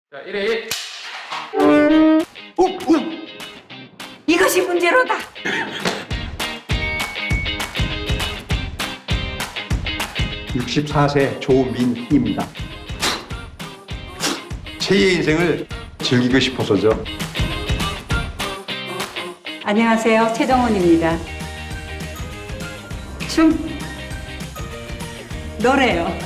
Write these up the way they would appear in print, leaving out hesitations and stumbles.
자, 1회 1. 이것이 문제로다. (64세) 조민희입니다. 제2의 인생을 즐기고 싶어서죠. 안녕하세요. 최정원입니다. 춤, 노래요.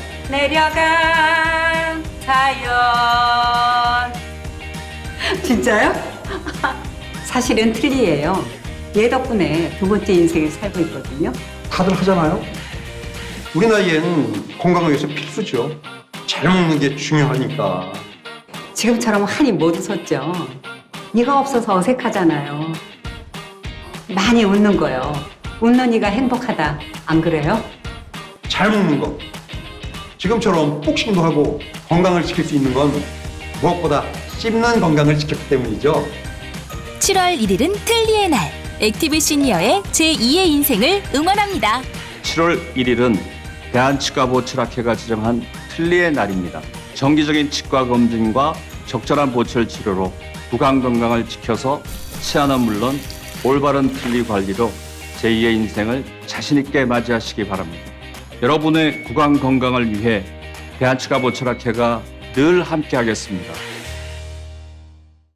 내려간 사연. 진짜요? 사실은 틀리예요. 얘 덕분에 두 번째 인생을 살고 있거든요. 다들 하잖아요. 우리 나이엔 건강을 위해서 필수죠. 잘 먹는 게 중요하니까. 지금처럼 한이 못 웃었죠. 네가 없어서 어색하잖아요. 많이 웃는 거요. 웃는 이가 행복하다. 안 그래요? 잘 먹는 거. 지금처럼 복싱도 하고 건강을 지킬 수 있는 건 무엇보다 씹는 건강을 지켰기 때문이죠. 7월 1일은 틀니의 날. 액티브 시니어의 제2의 인생을 응원합니다. 7월 1일은 대한치과보철학회가 지정한 틀니의 날입니다. 정기적인 치과 검진과 적절한 보철 치료로 구강 건강을 지켜서 치아는 물론 올바른 틀니 관리로 제2의 인생을 자신 있게 맞이하시기 바랍니다. 여러분의 구강 건강을 위해 대한치과보철학회가 늘 함께하겠습니다.